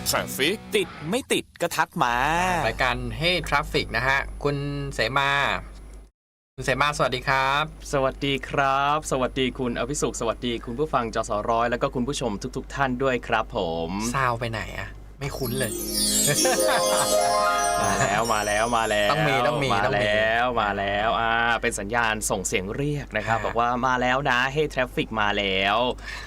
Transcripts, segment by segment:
Traffic ติดไม่ติดก็ทักมารายการ Hey Traffic นะฮะคุณเสมาสวัสดีครับสวัสดีครับสวัสดีคุณอภิสุขสวัสดีคุณผู้ฟังจสร้อยแล้วก็คุณผู้ชมทุกท่านด้วยครับผมซาวไปไหนอะไม่คุ้นเลยมาแล้วต้องมีมาแล้วเป็นสัญญาณส่งเสียงเรียกนะครับบอกว่ามาแล้วนะ Hey Traffic มาแล้ว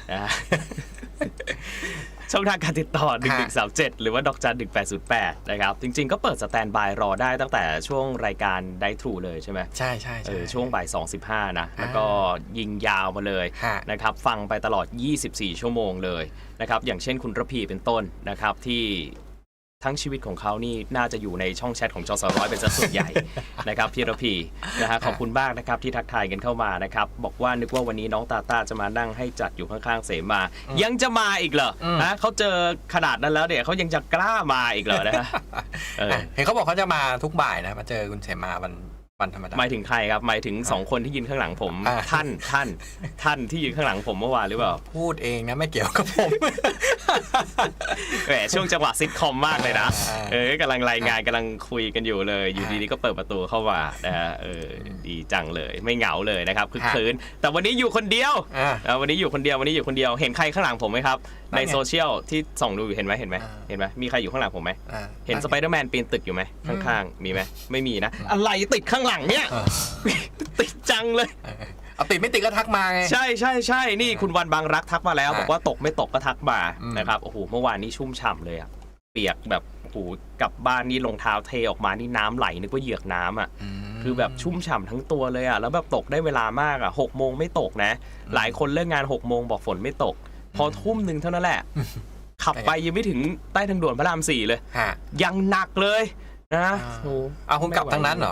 ช่องทางการติดต่อ1137หรือว่าดอกจัน1808นะครับจริงๆก็เปิดสแตนด์บายรอได้ตั้งแต่ช่วงรายการได้ทรูเลยใช่ไหมใช่ช่วงบ่าย 2:15 นะแล้วก็ยิงยาวมาเลยนะครับฟังไปตลอด24ชั่วโมงเลยนะครับอย่างเช่นคุณระพีเป็นต้นนะครับที่ทั้งชีวิตของเขานี่น่าจะอยู่ในช่องแชทของจสร้อยเป็นส่วนใหญ่นะครับพี่ระพีนะฮะขอบคุณมากนะครับที่ทักทายกันเข้ามานะครับบอกว่านึกว่าวันนี้น้องตาจะมานั่งให้จัดอยู่ข้างๆเสมายังจะมาอีกเหรอนะเขาเจอขนาดนั้นแล้วเนี่ยเขายังจะกล้ามาอีกเหรอนะเห็นเขาบอกเขาจะมาทุกบ่ายนะมาเจอคุณเสมาวันธรรมดาหมายถึงใครครับหมายถึง2คนที่ยืนข้างหลังผมท่านที่ยืนข้างหลังผมเมื่อวานหรือเปล่าพูดเองนะไม่เกี่ยวกับผมแหมช่วงจังหวะซิทคอมมากเลยนะกำลังรายงานกำลังคุยกันอยู่เลยอยู่ดีๆก็เปิดประตูเข้ามานะฮะดีจังเลยไม่เหงาเลยนะครับคึกคืนแต่วันนี้อยู่คนเดียววันนี้อยู่คนเดียวเห็นใครข้างหลังผมไหมครับในโซเชียลที่ส่องดูอยู่เห็นไหมมีใครอยู่ข้างหลังผมไหมเห็นสไปเดอร์แมนปีนตึกอยู่ไหมข้างๆมีไหมไม่มีนะอะไรติดข้างหลังเนี่ยติดจังเลยเอาติดไม่ติดก็ทักมาไงใช่นี่คุณวันบางรักทักมาแล้วบอกว่าตกไม่ตกก็ทักมานะครับโอ้โหเมื่อวานนี้ชุ่มฉ่ำเลยอะเปียกแบบโอ้โหกลับบ้านนี่รองเท้าเทออกมานี่น้ำไหลนึกว่าเหยือกน้ำอะคือแบบชุ่มฉ่ำทั้งตัวเลยอะแล้วแบบตกได้เวลามากอะ6 โมงไม่ตกนะหลายคนเลิกงาน6 โมงบอกฝนไม่ตกพอทุ่มหนึ่งเท่านั้นแหละขับไปยังไม่ถึงใต้ทางด่วนพระราม 4เลยยังหนักเลยนะโอ้เอาคุณกลับทางนั้นเหร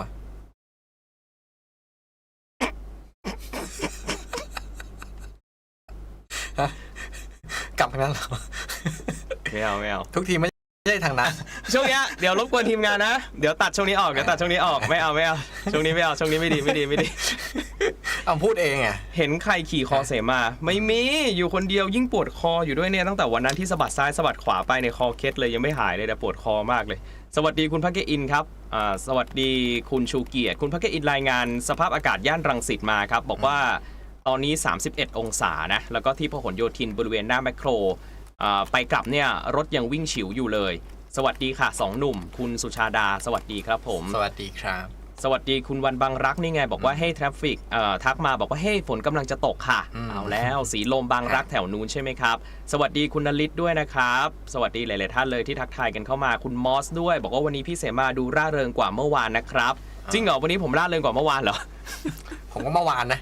อกลับทางนั้นเหรอไม่เอาทุกทีไม่ใช่ทางนั้นช่วงนี้เดี๋ยวรบกวนทีมงานนะเดี๋ยวตัดช่วงนี้ออกไม่เอาช่วงนี้ไม่เอาช่วงนี้ไม่ดีเอาพูดเองอ่ะเห็นใครขี่คอเสมาไม่มีอยู่คนเดียวยิ่งปวดคออยู่ด้วยเนี่ยตั้งแต่วันนั้นที่สะบัดซ้ายสะบัดขวาไปในคอเคล็ดเลยยังไม่หายเลยแต่ปวดคอมากเลยสวัสดีคุณพักเกอินครับสวัสดีคุณชูเกียรติคุณพักเกอินรายงานสภาพอากาศย่านรังสิตมาครับบอกว่าตอนนี้31องศานะแล้วก็ที่พหลโยธินบริเวณหน้าแมคโครไปกลับเนี่ยรถยังวิ่งฉิวอยู่เลยสวัสดีค่ะ2 หนุ่มคุณสุชาดาสวัสดีครับผมสวัสดีครับสวัสดีคุณวันบางรักนี่ไงบอกว่าให้ทราฟฟิกทักมาบอกว่าเฮ้ฝนกำลังจะตกค่ะเอาแล้วสีลมบางรักแถวนู้นใช่ไหมครับสวัสดีคุณนฤทธิ์ด้วยนะครับสวัสดีหลายๆท่านเลยที่ทักทายกันเข้ามาคุณมอสด้วยบอกว่าวันนี้พี่เสมาดูร่าเริงกว่าเมื่อวานนะครับจริงเหรอวันนี้ผมร่าเริงกว่าเมื่อวานเหรอผมก็เมื่อวานนะ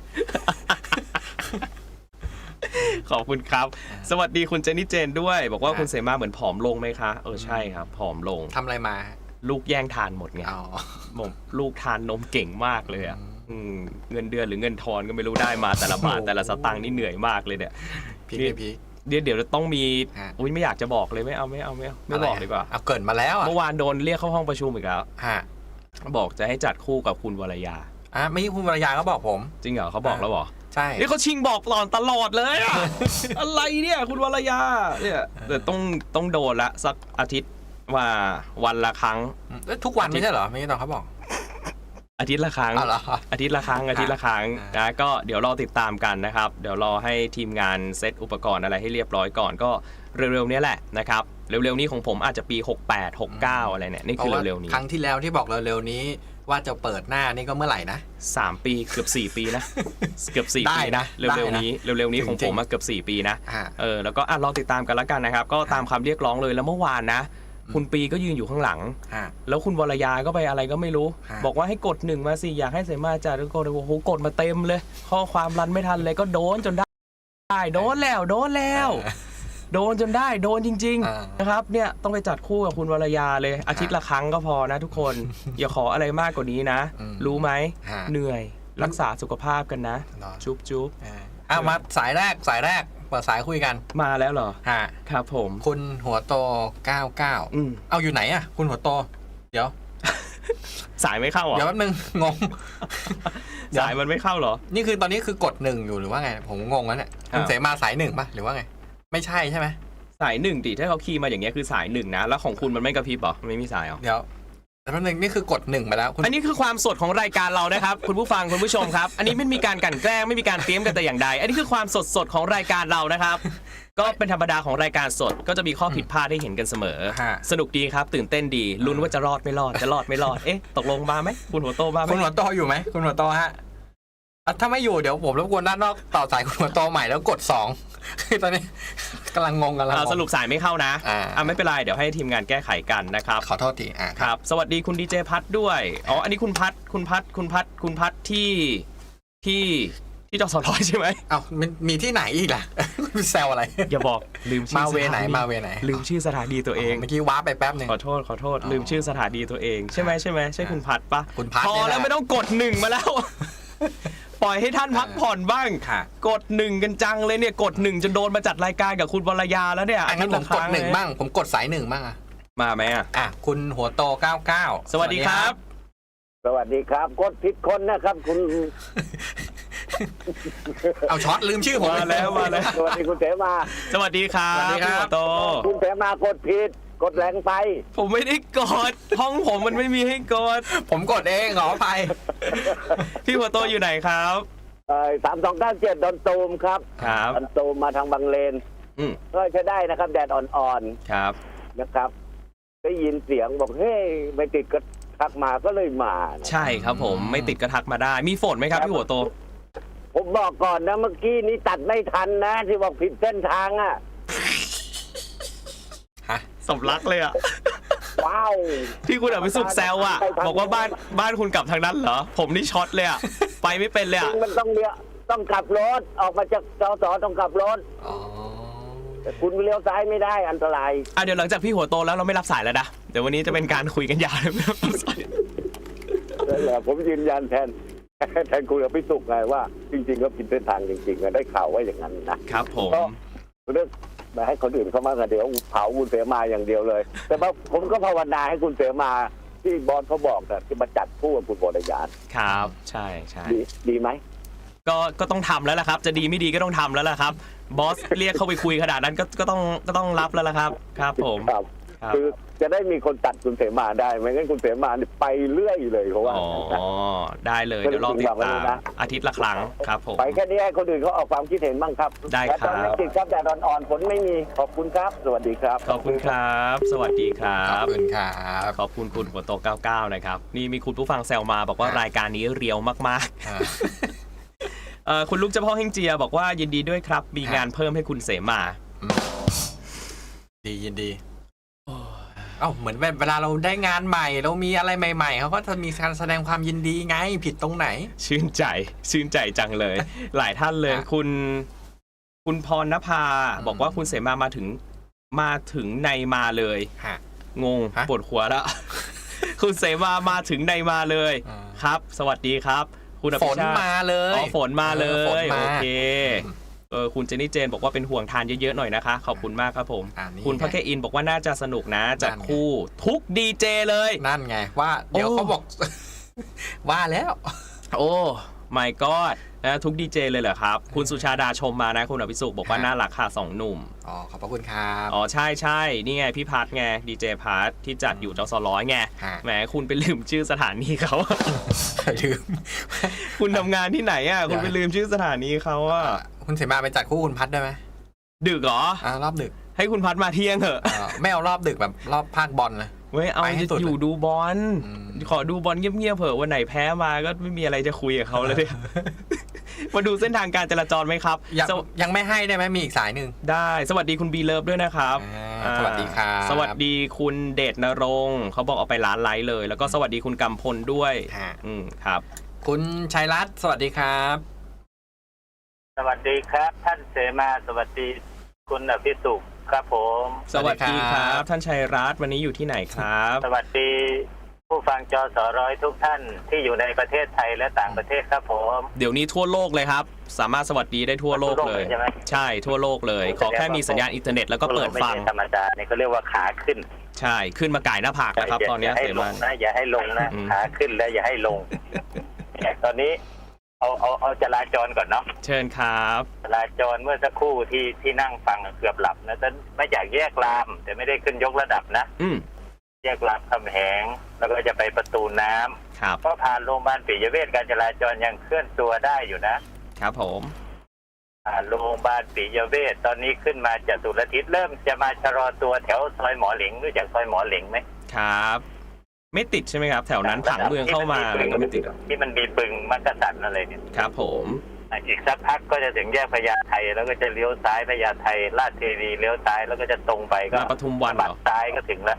ขอบคุณครับสวัสดีคุณเจนนี่เจนด้วยบอกว่าคุณเสมาเหมือนผอมลงไหมคะใช่ครับผอมลงทำอะไรมาลูกแย่งทานหมดไงลูกทานนมเก่งมากเลยอ่ะเงินเดือนหรือเงินทอนก็ไม่รู้ได้มาแต่ละบาทแต่ละสตางค์นี่เหนื่อยมากเลยเนี่ยพี่เดี๋ยวต้องมีไม่อยากจะบอกเลยไม่บอกดีกว่าเอาเกิดมาแล้วเมื่อวานโดนเรียกเข้าห้องประชุมอีกแล้วบอกจะให้จัดคู่กับคุณวรยาไม่ใช่คุณวรยาเขาบอกผมจริงเหรอเขาบอกแล้วเหรอใช่นี่เขาชิงบอกตลอดเลยอะ อะไรเนี่ยคุณวรยาเนี่ยเดี๋ยวต้องโดนละสักอาทิตย์ว่าวันละครั้งทุกวันไม่ใช่เหรอไม่ใช่ตอนเขาบอกอาทิตย์ละครั้งอาทิตย์ละครั้งนะก็เดี๋ยวรอติดตามกันนะครับเดี๋ยวรอให้ทีมงานเซตอุปกรณ์อะไรให้เรียบร้อยก่อนก็เร็วๆนี้แหละนะครับเร็วๆนี้ของผมอาจจะปี68 69อะไรเนี่ยนี่คือเร็วๆนี้ครั้งที่แล้วที่บอกเร็วๆนี้ว่าจะเปิดหน้านี่ก็เมื่อไหร่นะ 3 ปีเกือบ4 ปีนะเกือบ4 ปีนะเร็วๆนี้ของผมเกือบ4 ปีนะแล้วก็รอติดตามกันแล้วกันนะครับก็ตามคำเรียกร้องเลยแล้วเมื่อวานนะคุณปีก็ยืนอยู่ข้างหลังแล้วคุณวรยาก็ไปอะไรก็ไม่รู้บอกว่าให้กด1มาสิอยากให้เสมาจัดแล้วก็โอ้โหกดมาเต็มเลยข้อความรันไม่ทันเลยก็โดนจนได้โดนแล้วโดนจนได้โดนจริงๆนะครับเนี่ยต้องไปจัดคู่กับคุณวรยาเลยอาทิตย์ละครั้งก็พอนะทุกคนอย่าขออะไรมากกว่านี้นะรู้ไหมเหนื่อยรักษาสุขภาพกันนะจุ๊บมาสายแรกเปิดสายคุยกันมาแล้วเหรอครับผมคุณหัวโต99เอาอยู่ไหนอ่ะคุณหัวโตเดี๋ยวสายไม่เข้าเหรอเดี๋ยวแป๊บนึงงงสายมันไม่เข้าเหรอนี่คือตอนนี้คือกด1อยู่หรือว่าไงผมงงแล้วเนี่ยคุณเสมาสาย1ป่ะหรือว่าไงไม่ใช่ไหมสายหนึ่งดิถ้าเขาคีย์มาอย่างเงี้ยคือสายหนึ่งนะแล้วของคุณมันไม่กระพริบเหรอไม่มีสายเหรอเดี๋ยวแต่แป๊บนึงนี่คือกด1ไปแล้วอันนี้คือความสดของรายการเรานะครับ คุณผู้ฟังคุณผู้ชมครับ อันนี้ไม่มีการกลั่นแกล้งไม่มีการเตรียมกันแต่อย่างใดอันนี้คือความสดของรายการเรานะครับ ก็เป็นธรรมดาของรายการสดก็จะมีข้อผิดพลาดให้เห็นกันเสมอสนุกดีครับตื่นเต้นดีลุ้นว่าจะรอดไม่รอดจะรอดไม่รอดตกลงมาไหมคุณหัวโตมาไหมคุณหัวโตอยู่ไหมคุณหัวโตฮะถ้าไม่อยู่เดี๋ยวผมรบกวนด้านนอกต่อสายคุณหัวโตใหม่แล้วกด2คือตอนนี้กำลังงงกันแล้วสรุปสายไม่เข้านะไม่เป็นไรเดี๋ยวให้ทีมงานแก้ไขกันนะครับขอโทษทีครับสวัสดีคุณดีเจพัทด้วยอันนี้คุณพัทที่จสร้อยใช่ไหมมีที่ไหนอีกล่ะแซวอะไรอย่าบอกลืมชื่อมาเวไหนลืมชื่อสถานีตัวเองเมื่อกี้ว้าไปแป๊บนึงขอโทษลืมชื่อสถานีตัวเองใช่ไหมใช่คุณพัทปะคุณพัทพอแล้วไม่ต้องกด1มาแล้วปล่อยให้ท่านพักผ่อนบ้างกด1กันจังเลยเนี่ยกด1จนโดนมาจัดรายการกับคุณวรยาแล้วเนี่ยงั้นผมกด1บ้างผมกดสาย1บ้างมาไหมคุณหัวโต99 สวัสดีครับสวัสดีครับกดผิดคนนะครับคุณเอาช็อตลืมชื่อผมมาแล้วสวัสดีคุณเสมาสวัสดีครับพี่หัวโตคุณเสมากดผิดกดแรงไปผมไม่ได้กดห้องผมมันไม่มีให้กดผมกดเองขออภัยพี่หัวโตอยู่ไหนครับ 3297 ดอนตูมครับดอนตูมมาทางบางเลนก็ใช้ได้นะครับแดดอ่อนๆครับนะครับได้ยินเสียงบอกเฮ้ยไม่ติดก็ทักมาก็เลยมาใช่ครับผมไม่ติดก็ทักมาได้มีฝนไหมครับพี่หัวโตผมบอกก่อนนะเมื่อกี้นี้ตัดไม่ทันนะที่บอกผิดเส้นทางสมรักเลยว้าวที่คุณไปสุกแซวบอกว่าบ้านคุณกลับทางนั้นเหรอผมนี่ช็อตเลยไปไม่เป็นเลยมันต้องกลับรถออกมาจากจสต้องกลับรถแต่คุณเลี้ยวซ้ายไม่ได้อันตรายเดี๋ยวหลังจากพี่หัวโตแล้วเราไม่รับสายแล้วนะเดี๋ยววันนี้จะเป็นการคุยกันยาวเลยไม่รับสายนั่นแหละผมยืนยันแทนคุณกับพี่สุกไงว่าจริงๆก็ผิดเส้นทางจริงๆได้ข่าวว่าอย่างนั้นนะครับผมก็เรื่องมาให้คนอื่นเข้ามาเดี๋ยวเผาคุณเสมาอย่างเดียวเลยแต่ว่าผมก็ภาวนาให้คุณเสมาที่บอสเขาบอกนะที่มาจัดคู่กับคุณบรยานครับใช่ดีไหมก็ต้องทำแล้วล่ะครับจะดีไม่ดีก็ต้องทำแล้วล่ะครับบอสเรียกเข้าไปคุยขนาดนั้นก็ต้องรับแล้วล่ะครับครับผมคือจะได้มีคนตัดคุณเสมาได้ไม่งั้นคุณเสมาไปเรื่อยเลยเพราะว่าได้เลยเดี๋ยวรอติดตามอาทิตย์ละครั้งครับผมไปแค่นี้ให้คนอื่นเขาออกความคิดเห็นบ้างครับได้ครับไม่ติดครับแต่อ่อนๆฝนไม่มีขอบคุณครับสวัสดีครับขอบคุณครับสวัสดีครับขอบคุณครับขอบคุณคุณหัวโต99นะครับนี่มีคุณผู้ฟังแซวมาบอกว่ารายการนี้เรียวมากๆคุณลูกเจ้าพ่อเฮงเจียบอกว่ายินดีด้วยครับมีงานเพิ่มให้คุณเสมายินดีเหมือนเวลาเราได้งานใหม่เรามีอะไรใหม่ๆเขาก็จะมีการแสดงความยินดีไงผิดตรงไหนชื่นใจจังเลยหลายท่านเลยคุณพรณภาบอกว่าคุณเสมาถึงในมาเลยงงปวดหัวแล้วคุณเสมาถึงในมาเลยครับสวัสดีครับคุณอภิชาติฝนมาเลยฝนมาเลยโอเคคุณเจนนี่เจนบอกว่าเป็นห่วงทานเยอะๆหน่อยนะคะขอบคุณมากครับผมคุณพักแคอินบอกว่าน่าจะสนุกนะจัดคู่ทุกดีเจเลยนั่นไงว่าเดี๋ยวเขาบอกว่าแล้วโอ้ my god นะทุกดีเจเลยเหรอครับคุณสุชาดาชมมานะคุณอภิสุขบอกว่าน่ารักค่ะ2 หนุ่มขอบพระคุณครับใช่นี่ไงพี่พัทไงดีเจพัทที่จัดอยู่จสร้อยไงแหมคุณไปลืมชื่อสถานีเขาลืมคุณทำงานที่ไหนคุณไปลืมชื่อสถานีเขาคุณเสมาไปจัดคู่คุณพัทได้ไหมดึกเหรอรอบดึกให้คุณพัทมาเที่ยงเถอะไม่เอารอบดึกแบบรอบภาคบอลเลยเอาจะอยู่ดูบอลขอดูบอลเงียบๆเผื่อวันไหนแพ้มาก็ไม่มีอะไรจะคุยกับเขาเลยมาดูเส้นทางการจราจรไหมครับยังไม่ให้ได้ไหมมีอีกสายหนึ่งได้สวัสดีคุณบีเลิฟด้วยนะครับสวัสดีครับสวัสดีคุณเดชนรงค์เขาบอกเอาไปร้านไลฟ์เลยแล้วก็สวัสดีคุณกำพลด้วยครับคุณชัยรัตน์สวัสดีครับสวัสดีครับท่านเสมาสวัสดีคุณอภิสุขครับผมสวัสดีครับท่านชัยรัตน์วันนี้อยู่ที่ไหนครับสวัสดีผู้ฟังจสร้อยทุกท่านที่อยู่ในประเทศไทยและต่างประเทศครับผมเดี๋ยวนี้ทั่วโลกเลยครับสามารถสวัสดีได้ทั่วโลกเลยใช่ทั่วโลกเลยขอแค่มีสัญญาณอินเทอร์เน็ตแล้วก็เปิดฟังธรรมดาเนี่ยเขาเรียกว่าขาขึ้นใช่ขึ้นมาก่ายหน้าผากนะครับตอนนี้เสมาอย่าให้ลงนะขาขึ้นแล้วอย่าให้ลงตอนนี้เอาจราจรก่อนเนาะเชิญครับจราจรเมื่อสักครู่ที่นั่งฟังเกือบหลับนะแต่ไม่จากแยกราม แต่ไม่ได้ขึ้นยกระดับนะ แยกรามคำแหงแล้วก็จะไปประตูน้ำครับก็ผ่านโรงพยาบาลปิยเวชการจราจรยังเคลื่อนตัวได้อยู่นะครับผมผ่านโรงพยาบาลปิยเวชตอนนี้ขึ้นมาจตุรทิศเริ่มจะมาชะลอตัวแถวซอยหมอเหลงรู้จักซอยหมอเหลงไหมครับ ไม่ติดใช่ไหมครับ แถวนั้นผังเมืองเข้ามาอะไรก็ไม่ติดหรอกที่มันมีบึงมักกะสันอะไรเนี่ยครับผมอีกสักพักก็จะถึงแยกพญาไทแล้วก็จะเลี้ยวซ้ายพญาไทลาดเทวีเลี้ยวซ้ายแล้วก็จะตรงไปก็มาปทุมวันเหรบัอดซ้ายก็ถึงแล้ว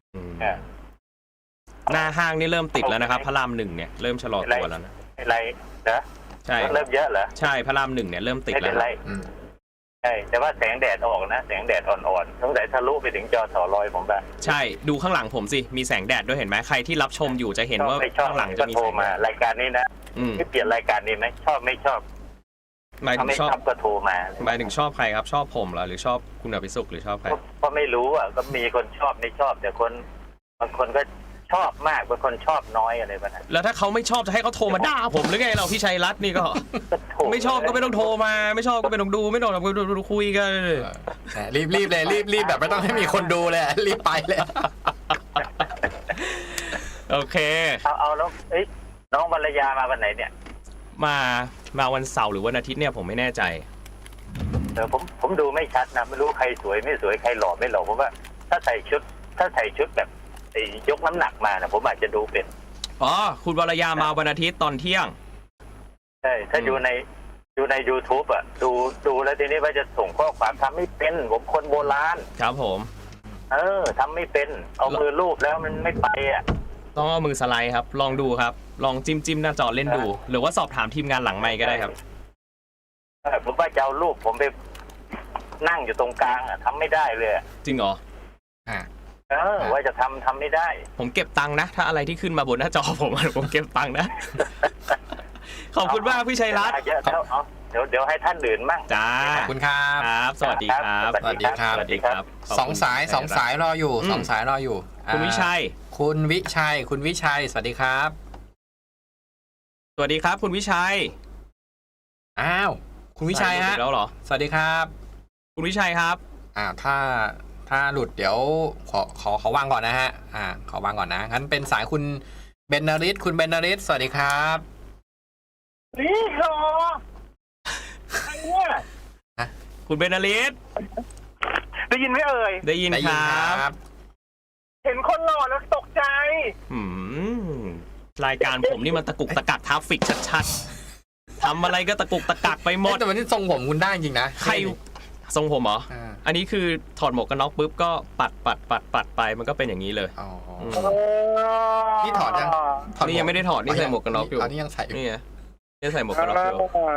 หน้าห้างนี่เริ่มติดแล้วนะครับพระรามหนึ่งเนี่ยเริ่มชะลอตัวแล้วนะอะไรนะใช่เริ่มเยอะเหรอใช่พระรามหนึ่งเนี่ยเริ่มติดไม่แล้เป็วนไรใช่แต่ว่าแสงแดดออกนะแสงแดดอ่อนๆสงสัยทะลุไปถึงจอสอลอยผมบ้างใช่ดูข้างหลังผมสิมีแสงแดดด้วยเห็นไหมใครที่รับชมอยู่จะเห็นว่าไม่ชอบข้างหลังก็จะมีโทรแสงมาแดดรายการนี้นะไม่เปลี่ยนรายการนี้ไหมชอบไม่ชอบหมายถึถ้าง ไม่ชชออบบก็โทรมาหมายถึงชอบใครครับชอบผมเหรอหรือชอบคุณอภิสุขหรือชอบใครก็ไม่รู้อ่ะก็มีคนชอบไม่ชอบ แต่คนบางคนก็ชอบมากบางคนชอบน้อยอะไรแบบนั้นแล้วถ้าเขาไม่ชอบจะให้เขาโทรมาด่าผมหรือไงเราพี่ชัยรัตน์นี่ก็ ไม่ชอบก็ไม่ต้องโทรมาไม่ชอบก็ไม่ต้องดูไม่ต้องคุยกันรีบเลยรีบแบบไม่ต้องให้มีคนดูเลยรีบไปเลยโอเคเอาแล้วน้องวรรยามาวันไหนเนี่ยมาวันเสาร์หรือวันอาทิตย์เนี่ยผมไม่แน่ใจผมดูไม่ชัดนะไม่รู้ใครสวยไม่สวยใครหล่อไม่หล่อเพราะว่าถ้าใส่ชุดแบบยกน้ำหนักมานะผมอาจจะดูเป็นอ๋อคุณวรยามาวันอาทิตย์ตอนเที่ยงใช่ถ้าดูใน YouTube อ่ะดูแล้วทีนี้ว่าจะส่งข้อความทำไม่เป็นผมคนโบราณครับผมทำไม่เป็นเอามือลูบแล้วมันไม่ไปอ่ะต้องเอามือสไลด์ครับลองดูครับลองจิ้มหน้าจอเล่นดู หรือว่าสอบถามทีมงานหลังไมค์ก็ได้ครับผมว่าจะเอารูปผมไปนั่งอยู่ตรงกลางอ่ะทำไม่ได้เลยจริงเหรอว่าจะทำไม่ได้ผมเก็บตังค์นะถ้าอะไรที่ขึ้นมาบนหน้าจอผมผมเก็บตังค์นะ ขอบคุณมากพี่ชัยรัตน์เดี๋ยวให้ท่านอื่นมั่งจ้าขอบคุณครับครับสวัสดีครับสวัสดีครับสวัสดีครับสองสายรออยู่สองสายรออยู่คุณวิชัยคุณวิชัยสวัสดีครับสวัสดีครับคุณวิชัยอ้าวคุณวิชัยฮะแล้วเหรอสวัสดีครับคุณวิชัยครับถ้าหลุดเดี๋ยวขอวางก่อนนะฮะขอวางก่อนนะงั้นเป็นสายคุณเบนนาริสคุณเบนนาริสสวัสดีครับนี่เหรอใครเนี่ยคุณเบนนาลิสได้ยินไหมเอ่ยได้ยินครับเห็นคนหล่อแล้วตกใจรายการผมนี่มันตะกุกตะกักทราฟฟิกชัดๆทำอะไรก็ตะกุกตะกักไปหมดแต่วันนี้ทรงผมคุณได้จริงนะใครทรงผมเหรออันนี้คือถอดหมวกกันน็อกปุ๊บก็ปัดไปมันก็เป็นอย่างนี้เลยนี่ถอดยังนี่ยังไม่ได้ถอดนี่ใส่หมวกกันน็อกอยู่นี่ยังใส่อยู่นี่ไงนี่ใส่หมวกกันน็อกอยู่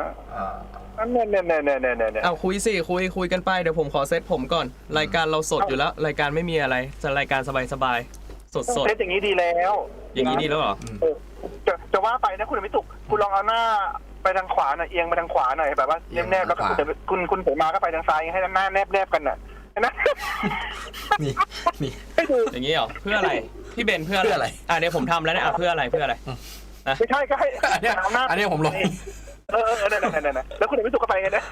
เนี่ยเอาคุยสิคุยกันไปเดี๋ยวผมขอเซตผมก่อนรายการเราสดอยู่แล้วรายการไม่มีอะไรจะรายการสบายๆสดเซตอย่างนี้ดีแล้วอย่างนี้ดีแล้วเหรอจะว่าไปนะคุณไม่ตุกคุณลองเอาหน้าไปทางขวาหน่อยเอียงไปทางขวาหน่อยแบบว่าแนบๆแล้วก็คุณเสมาก็ไปทางซ้ายให้หน้าแนบๆกันน่ะนะนี่อย่างนี้เหรอเพื่ออะไรพี่เบนเพื่ออะไรเดี๋ยวผมทำแล้วเนี่ยเพื่ออะไรไม่ใช่ก็ให้อันนี้ผมลงนั่นแล้วคุณไม่ตุกก็ไปไงนะ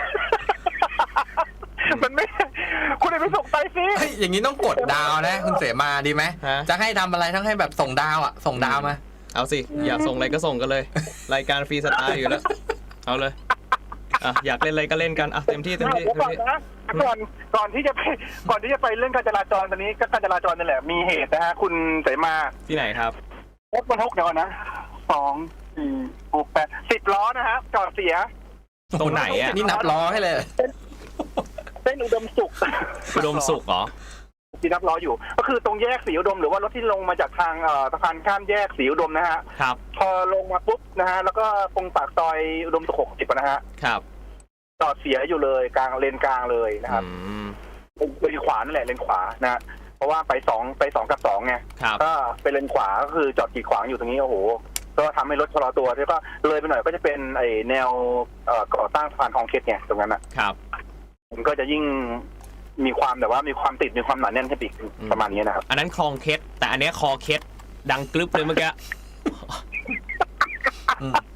มันไม่คุณไม่ส่งไปสิอย่างนี้ต้องกดดาวนะคุณเสมาดีไหมจะให้ทำอะไรทั้งให้แบบส่งดาวส่งดาวมาเอาสิอยากส่งอะไรก็ส่งกันเลยรายการฟรีสไตล์อยู่แล้วเอาเลยอยากเล่นอะไรก็เล่นกันเต็มที่ก่อนที่จะไปเรื่องการจราจรตอนนี้ก็การจราจรนั่นแหละมีเหตุนะฮะคุณเสมาที่ไหนครับรถบรรทุกเดี๋ยวนะ2 4 6 8 10 ล้อนะฮะจอดเสียตรงไหนอ่ะนี่นับล้อให้เลยเส้นอุดมสุขเหรอที่นับล้ออยู่ก็คือตรงแยกศรีอุดมหรือว่ารถที่ลงมาจากทางสะพานข้ามแยกศรีอุดมนะฮะครับพอลงมาปุ๊บนะฮะแล้วก็ตรงปากซอยอุดมสุข60นะฮะครับจอดเสียอยู่เลยกลางเลนกลางเลยนะครับเลนขวานั่นแหละเลนขวานะเพราะว่าไป2กับ2ไงก็ไปเลนขวาก็คือจอดกีดขวางอยู่ตรงนี้โอ้โหก็ทำให้รถชะลอตัวแล้วก็เลยไปหน่อยก็จะเป็นไอแนวก่อสร้างสะพานคลองเคสไงตรงนั้นนะครับมันก็จะยิ่งมีความแบบว่ามีความติดมีความหนาแน่นขึ้นอีกประมาณนี้นะครับอันนั้นคลองเคสแต่อันนี้คอเคสดังกรึบเลยเมื่อกี้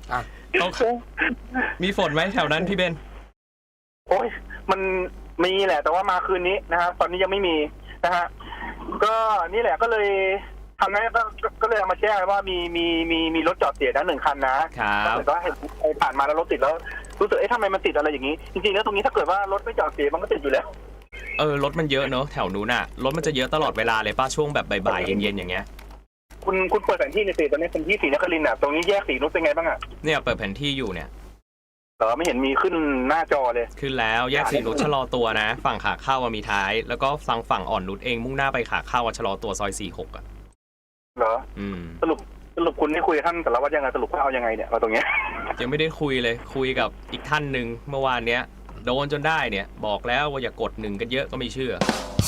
อ่ะมีฝนไหมแถวนั้นพี่เบนโอ้ยมันมีแหละแต่ว่ามาคืนนี้นะครับตอนนี้ยังไม่มีนะฮะก็นี่แหละก็เลยทำนั้นก็เลยเอามาแจ้งว่ามีรถจอดเสียนะ1 คันนะครับแต่ว่าเห็นผ่านมาแล้วรถติดแล้วรู้สึกทำไมมันติดอะไรอย่างนี้จริงๆแล้วตรงนี้ถ้าเกิดว่ารถไม่จอดเสียมันก็ติดอยู่แล้วรถมันเยอะเนอะแถวนู้นน่ะรถมันจะเยอะตลอดเวลาเลยป้าช่วงแบบบ่ายๆเย็นๆอย่างเงี้ยคุณเปิดแผนที่ในตอนนี้เป็นที่ศรีนครินทร์อ่ะตรงนี้แยกศรีนุชเป็นไงบ้างอ่ะเนี่ยเปิดแผนที่อยู่เนี่ยไม่เห็นมีขึ้นหน้าจอเลยขึ้นแล้วแยกศรีนุชชะลอตัวนะฝั่งขาเข้ามีท้ายแล้วก็ฝั่งอ่อนนุชเองมุ่งหน้าไปขาเข้าชะลอตัวซอย46อ่ะเหรอสรุปคุณได้คุยกับท่านแต่ละว่ายังไงสรุปว่าเอายังไงเนี่ยมาตรงเนี้ยยังไม่ได้คุยเลยคุยกับอีกท่านหนึ่งเมื่อวานเนี้ยโดนจนได้เนี่ยบอกแล้วว่าอย่ากด1กันเยอะก็ไม่เชื่อ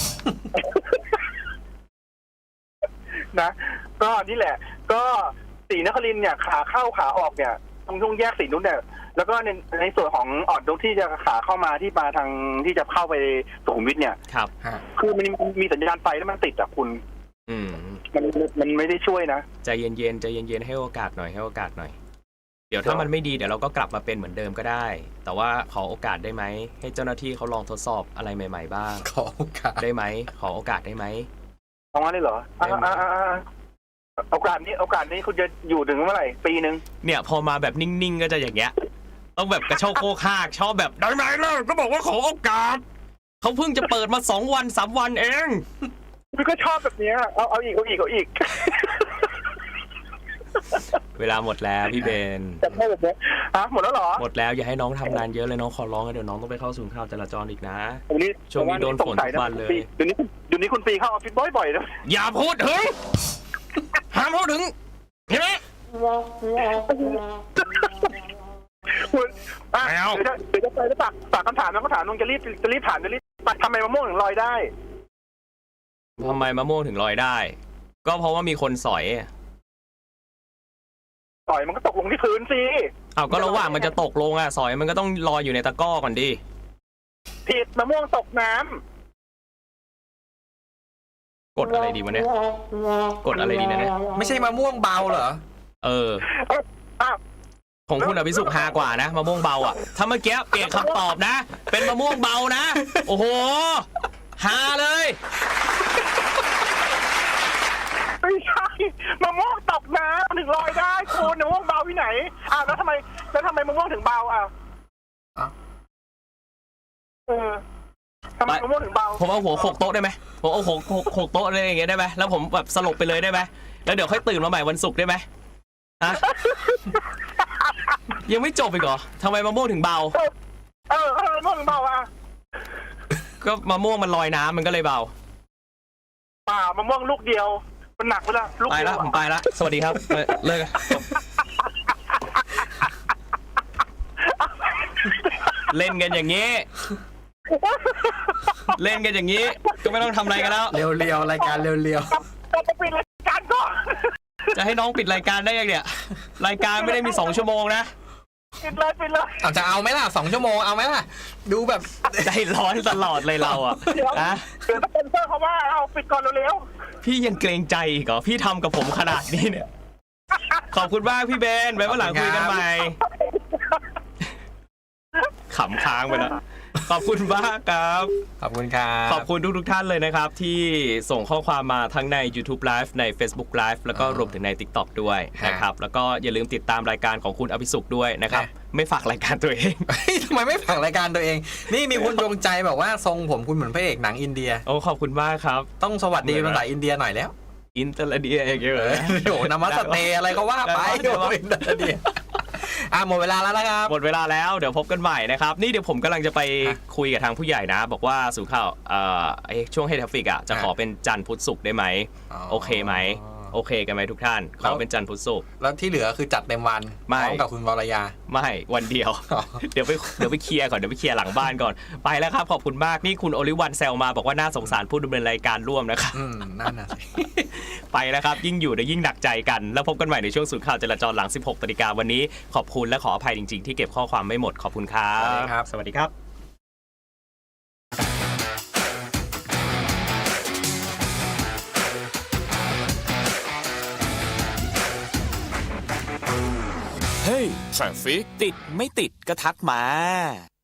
นะก็นี่แหละก็ศรีนครินทร์เนี่ยขาเข้าขาออกเนี่ยตรงช่วงแยกศรีนุชเนี่ยแล้วก็ในส่วนของอ่อนนุชที่จะขาเข้ามาที่มาทางที่จะเข้าไปสุขุมวิทเนี่ยครับคือมันมีสัญญาณไฟแล้วมันติดอ่ะคุณมันไม่ได้ช่วยนะใจเย็นๆใจเย็นๆให้โอกาสหน่อยเดี๋ยวถ้ามันไม่ดีเดี๋ยวเราก็กลับมาเป็นเหมือนเดิมก็ได้แต่ว่าขอโอกาสได้ไหมให้เจ้าหน้าที่เขาลองทดสอบอะไรใหม่ๆบ้างขอโอกาสได้ไหมขอโอกาสได้ไหมเอางั้นได้เหรอโอกาสนี้คุณจะอยู่ถึงเมื่อไหร่ปีนึงเนี่ยพอมาแบบนิ่งๆก็จะอย่างเงี้ยต้องแบบกระโชกโคกหักชอบแบบได้ไหมล่ะก็บอกว่าขอโอกาสเขาเพิ่งจะเปิดมา2 วัน 3 วันเองพี่ก็ชอบแบบนี้เอาอีกเวลาหมดแล้วพี่เบนจะไม่แบบนี้หมดแล้วเหรอหมดแล้วอย่าให้น้องทำงานเยอะเลยน้องขอร้องนะเดี๋ยวน้องต้องไปเข้าศูนย์ข่าวจราจรอีกนะช่วงนี้โดนฝนทุกวันเลยเดี๋ยวนี้คุณปีเข้าออฟฟิศบ่อยๆนะอย่าพูดถึงห้ามพูดถึงเห็นไหมเดี๋ยวจะไปแล้วฝากคำถามแล้วก็ถามน้องจะรีบถามทำไมมะม่วงถึงลอยได้ทำไมมะม่วงถึงลอยได้ก็เพราะว่ามีคนสอยมันก็ตกลงที่พื้นสิก็ระหว่างมันจะตกลงสอยมันก็ต้องลอยอยู่ในตะกร้อก่อนดิผิดมะม่วงตกน้ำกดอะไรดีวะเนี่ยกดอะไรดีนะเนี่ยไม่ใช่มะม่วงเบาเหรอของคุณอภิสุขฮากว่านะมะม่วงเบาถ้าเมื่อกี้เปลี่ยนคำตอบนะเป็นมะม่วงเบานะโอ้โหฮาเลยไม่ใช่มะม่วงตกน้ำถึงลอยได้คุณมะม่วงเบาที่ไหนแล้วทำไมมะม่วงถึงเบาทำไมมะม่วงถึงเบาผมเอาหัวโขกโต๊ะได้ไหมผมเอาหัวโขกโต๊ะอะไรอย่างเงี้ยได้ไหมแล้วผมแบบสลบไปเลยได้ไหมแล้วเดี๋ยวค่อยตื่นมาใหม่วันศุกร์ได้ไหมยังไม่จบอีกเหรอทำไมมะม่วงถึงเบาทำไมมะม่วงถึงเบาก็มะม่วงมันลอยน้ำมันก็เลยเบามะม่วงลูกเดียวมันหนักไปแล้วไปแล้วผมไปแล้วสวัสดีครับเลิกเล่นกันอย่างนี้ก็ไม่ต้องทำอะไรกันแล้วเร็วๆรายการเร็วๆจะปิดรายการก่อนจะให้น้องปิดรายการได้ยังเนี่ยรายการไม่ได้มี2 ชั่วโมงนะปิดเลยจะเอาไหมล่ะ2 ชั่วโมงเอาไหมล่ะดูแบบใจร้อนตลอดเลยเรานะเดี๋ยวเป็นเพื่อนเขาว่าเอาปิดก่อนเร็วพี่ยังเกรงใจอีกเหรอพี่ทำกับผมขนาดนี้เนี่ยขอบคุณมากพี่เบนไว้วันหลังคุยกันใหม่ขำค้างไปแล้วขอบคุณมากครับขอบคุณครับขอบคุณทุกท่านเลยนะครับที่ส่งข้อความมาทั้งใน YouTube Live ใน Facebook Live แล้วก็รวมถึงใน TikTok ด้วยนะครับแล้วก็อย่าลืมติดตามรายการของคุณอภิสุขด้วยนะครับไม่ฝากรายการตัวเองทำไมไม่ฝากรายการตัวเองนี่มีคนดวงใจบอกว่าทรงผมคุณเหมือนพระเอกหนังอินเดียโอ้ขอบคุณมากครับต้องสวัสดีภาษาอินเดียหน่อยแล้วอินเตอร์เดียอย่างเงี้ยโอ้นามัสเตอะไรก็ว่าไปอินเตอร์เดียหมดเวลาแล้วนะครับหมดเวลาแล้วเดี๋ยวพบกันใหม่นะครับนี่เดี๋ยวผมกำลังจะไปคุยกับทางผู้ใหญ่นะบอกว่าสู่ข่าวช่วงเฮดทราฟฟิกจะขอเป็นจันทร์พุธศุกร์ได้ไหมโอเคไหมโอเคกันไหมทุกท่านขอเป็นจันทร์พุธศุกร์แล้วที่เหลือคือจัดเต็มวันพร้อมกับคุณวรยาไม่วันเดียวเดี๋ยวไปเคลียร์ก่อนเดี๋ยวไปเคลียร์หลังบ้านก่อนไปแล้วครับขอบคุณมากนี่คุณโอลิวันแซลมาบอกว่าน่าสงสารผู้ดำเนินรายการร่วมนะครับนั่นน่ะไปแล้วครับยิ่งอยู่ยิ่งหนักใจกันแล้วพบกันใหม่ในช่วงศูนย์ข่าวจราจรหลัง 16 นาฬิกาวันนี้ขอบคุณและขออภัยจริงๆที่เก็บข้อความไม่หมดขอบคุณครับสวัสดีครับ Hey Traffic ติดไม่ติดก็ทักมา